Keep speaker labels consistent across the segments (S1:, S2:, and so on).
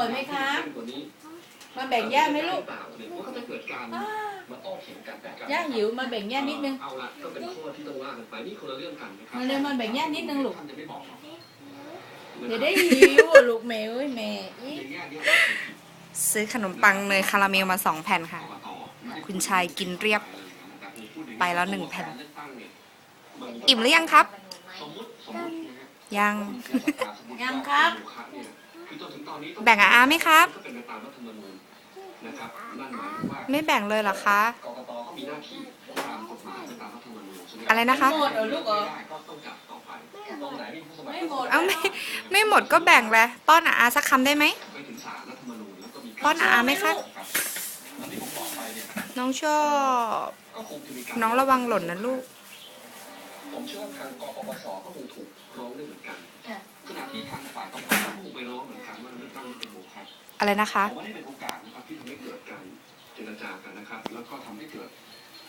S1: อยไหมคะมาแบ่งย่าไหมลูกย่าหิวมาแบ่งย่านิดนึง
S2: เอาละก็เป็นข้อที่ต้องว่ากันไปนี่คนละเรื่องกันนะครับ
S1: มาเลยมาแบ่งย่านิดนึงลูก
S2: ท่านจะไม่บอกหรอก
S1: เดี๋ยวได้หิวลูกแม่เอ้ยแม่
S3: ซื้อขนมปังเนยคาราเมลมา2 แผ่นค่ะ คุณชายกินเรียบไปแล้ว1 แผ่น อิ่มหรือยังครับ ยัง
S1: ยังครับ
S3: แบ่งอาไหมครับ ไม่แบ่งเลยเหรอคะ อะไรนะคะ
S1: หมดเหรอลูกเหรอไม่หมด
S3: เอาไม่หมดก็แบ่งแหละป้อนอาสักคำได้ไหมป้อนอาไหมคะน้องชอบน้องระวังหล่นนะลูก
S2: ผมเชื่อว่าทางกปปสก็คงถูกร้องด้วยเหมือนกันขณะที่ทางฝ่ายกปปสก็คงไปร้องเหมือนกันว่าเลือกตั้งเป็นโมฆะ
S3: อะไรนะคะ
S2: ผมว่านี่เป็นโอกาสนะครับที่ทำให้เกิดการเจรจากันนะครับแล้วก็ทำให้เกิด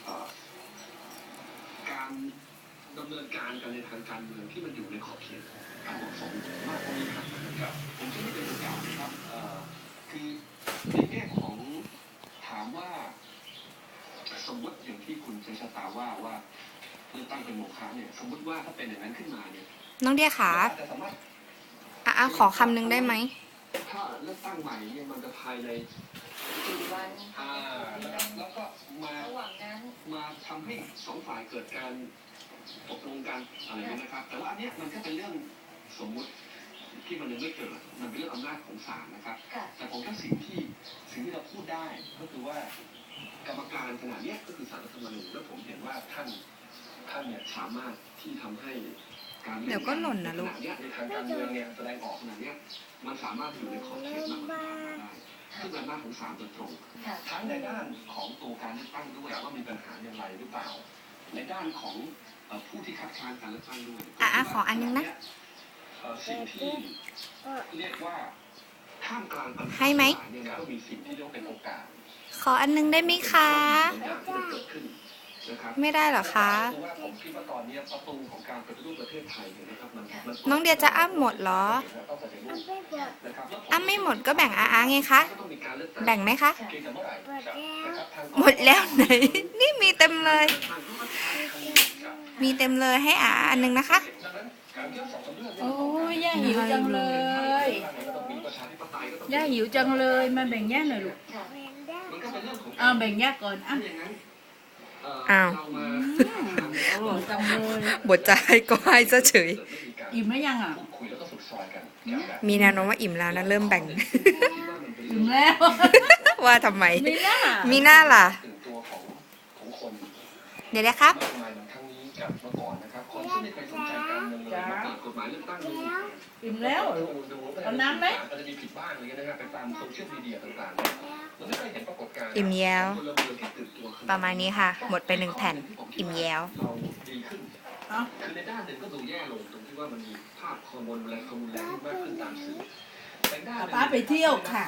S2: การดำเนินการกันในทางการเมืองที่มันอยู่ในขอบเขตการเหมาะสมมากกว่านี้ครับผมคิดว่าเป็นโอกาสนะครับคือในแง่ของถามว่าสมมติอย่างที่คุณชัยชะตาว่าเลือกตั้งเป็นโมฆะเนี่ยสมมติว่าถ้าเป็นอย่างนั้นขึ้นมาเนี่ย
S3: น้องเดียขาขอคำนึงได้ไหม
S2: ถ้าเลือกตั้งใหม่เนี่ยมันจะภายใน
S4: 4 วัน
S2: แล้วก็มาทำให้2 ฝ่ายเกิดการตกลงกันอะไรนี้นะครับแต่ว่าอันนี้มันก็เป็นเรื่องสมมุติที่มันยังไม่เกิดมันเป็นเรื่องอำนาจของศาลนะครับแต่ผมว่าสิ่งที่เราพูดได้ก็คือว่ากรรมการขนาดนี้ก็คือศาลรัฐธรรมนูญแล้วผมเห็นว่าท่านเนี่ยสามารถที่ทำให้การ
S3: เดี๋ยวก็หล่นนะลูก
S2: ในทางการเมืองเนี่ยแสดงออกขนาดนี้มันสามารถอยู่ในขอบเขตมากกว่าได้ซึ่งเป็นอำนาจของศาลโดยตรงทั้งในด้านของตัวการเลือกตั้งด้วยว่ามีปัญหาอย่างไรหรือเปล่าในด้านของผู้ที่คัดค้านการเลือกตั้งด้วย
S3: ขออันนึงนะ
S2: สิ่งที่เรียกว่าท่ามกลางปัญหา
S3: ให้ไหม
S2: ก็มีสิ่งที่เรียกว่าเป็นโอกาส
S3: ขออันนึงได้ไหมคะไม่ได้เหรอคะน้องเดียจะอ้ำหมดเหรออ้ำไม่หมดก็แบ่งอาไงคะแบ่งไหมคะหมดแล้วไหนนี่มีเต็มเลยให้อันนึงนะคะ
S1: โอ้ยย่าหิวจังเลยย่าหิวจังเลยมาแบ่งย่าหน่อยลูกแบ่งย่าก่อน
S3: อ้าว
S1: จังเลย
S3: บทจะให้ก็ให้ซะเฉย
S1: อิ่มไหมยัง
S3: มีแนวโน้มว่าอิ่มแล้วนะเริ่มแบ่ง
S1: อิ่มแล้ว
S3: ว่าทำไมมีหน้าล่ะเดี๋ยวนะครับ
S1: อิ่มแล้วเอาน้ำไหม
S3: อิ่มแย้วประมาณนี้ค่ะหมดไป1 แผ่นอิ่มแย้ว
S2: คือในด้านหนึ่งก็ดูแย่ลงตรงที่ว่ามันมีภาพฮอร์โมนและฮอร์โมนแรงมากขึ้นตามสื่อ
S1: ป้าไปเที่ยวค่ะ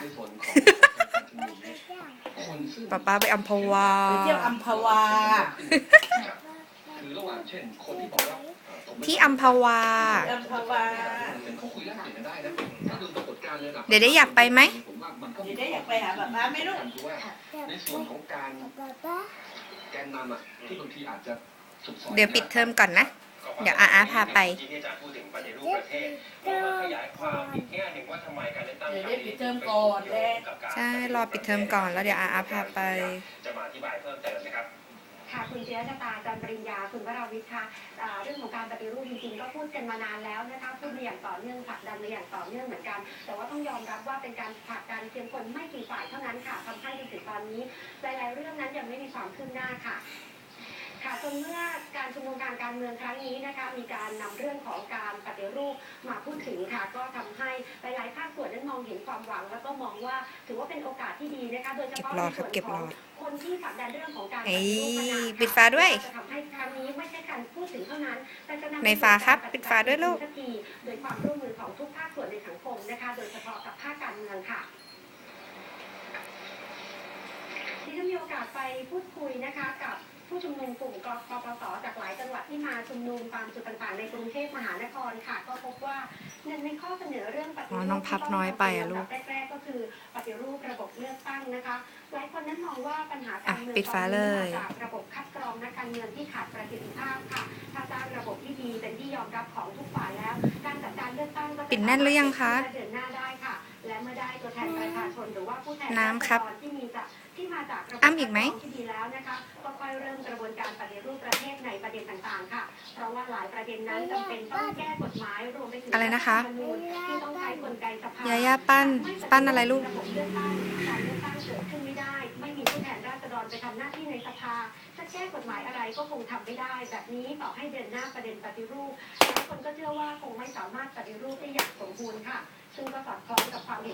S3: ป้าไปอัมพวา
S1: ไปเที่ยวอัมพวา
S2: คือระหว่างเช่นคนที่บอกว่า
S3: ที่อัมพวาเดี๋ยวได้อยากไปไหม
S1: เดี๋ยวได้อยากไปหาป้าไหมลูก
S2: ในส่วนของการแกนนำที่บางทีอาจจะ
S3: เดี๋ยวปิดเทอมก่อนนะเดี๋ยวพาไป
S1: ปิดเทอมก่อน
S3: ใช่รอปิดเทอมก่อนแล้วเดี๋ยวพาไป
S2: จะมาอธิบายเพิ่มเติมนะครับ
S4: ค่ะคุณจิรชตาจันปริญญาคุณวราวิทย์ค่ะเรื่องของการปฏิรูปจริงๆก็พูดกันมานานแล้วนะคะพูดมาอย่างต่อเนื่องผลักดันมาอย่างต่อเนื่องเหมือนกันแต่ว่าต้องยอมรับว่าเป็นการผลักดันเพียงคนไม่กี่ฝ่ายเท่านั้นค่ะทำให้จนถึงตอนนี้หลายๆเรื่องนั้นยังไม่มีความคืบหน้าค่ะจนเมื่อการชุมนุมการเมืองครั้งนี้นะคะมีการนำเรื่องของการปฏิรูปมาพูดถึงค่ะก็ทำให้หลายๆภาคส่วนนั้นมองเห็นความหวังแล้วก็มองว่าถือว่าเป็นโอกาสที่ดีนะคะโดยเฉพาะในส่วนของคนที่ผลักดันเรื่องของการปฏิรูปมานาน
S3: ปิดฟ้าด้วย
S4: จะทำให้ครั้งนี้ไม่ใช่การพูดถึงเท่านั้นแต่จะนำ
S3: ในฟ้าครับปิดฟ้าด้วยลูก
S4: โดยความร่วมมือของทุกภาคส่วนในสังคมนะคะโดยเฉพาะกับภาคการเมืองค่ะที่ได้มีโอกาสไปพูดคุยนะคะกับผู้ชุมนุมกลุ่มกปปสจากหลายจังหวัดที่มาชุมนุมตามจุดต่างๆในกรุงเทพมหานครค่ะก็พบว่าหนึ่งในข้อเสนอเรื่องปฏิรูป
S3: น้องพับน้อยไปลูก
S4: แรกๆก็คือคือปฏิรูประบบเลือกตั้งนะคะหลายคนนั้นมองว่าปัญหาการเมือง
S3: ปิดฝาเลย
S4: มาจากระบบคัดกรองนักการเมืองที่ขาดประสิทธิภาพค่ะถ้าสร้างระบบที่ดีเป็นที่ยอมรับของทุกฝ่ายแล้วการจัดการเลือกตั้งก็จะ
S3: ปิดแน่นหรือยังคะ
S4: เดินหน้าได้ค่ะและเมื่อได้ตัวแทนประชาชนหรือว่าผู้แทน
S3: น้ำครับ
S4: ที่มาจากระบบ
S3: อ้ำอีกไหม
S4: ที่ดีแล้วนะคะก็ค่อยเริ่มกระบวนการปฏิรูปประเทศในประเด็นต่างๆค่ะเพราะว่าหลายประเด็นนั้นจำเป็นต้องแก้กฎหมายรวมไปถึง
S3: อะไรนะคะ
S4: รัฐธรรมนูญที่ต้องใช้กลไกสภา
S3: ยาย่าปั้นอะไรลูก
S4: ระบบเลือกตั้งการเลือกตั้งเกิดขึ้นไม่ได้ ไม่มีผู้แทนราษฎรไปทำหน้าที่ในสภาจะแก้กฎหมายอะไรก็คงทำไม่ได้ แบบนี้ต่อให้เดินหน้าประเด็นปฏิรูปหลายคนก็เชื่อว่าคงไม่สามารถปฏิรูปได้อย่างสมบูรณ์ค่ะซึ่งก็สอดคล้องกับความเห็น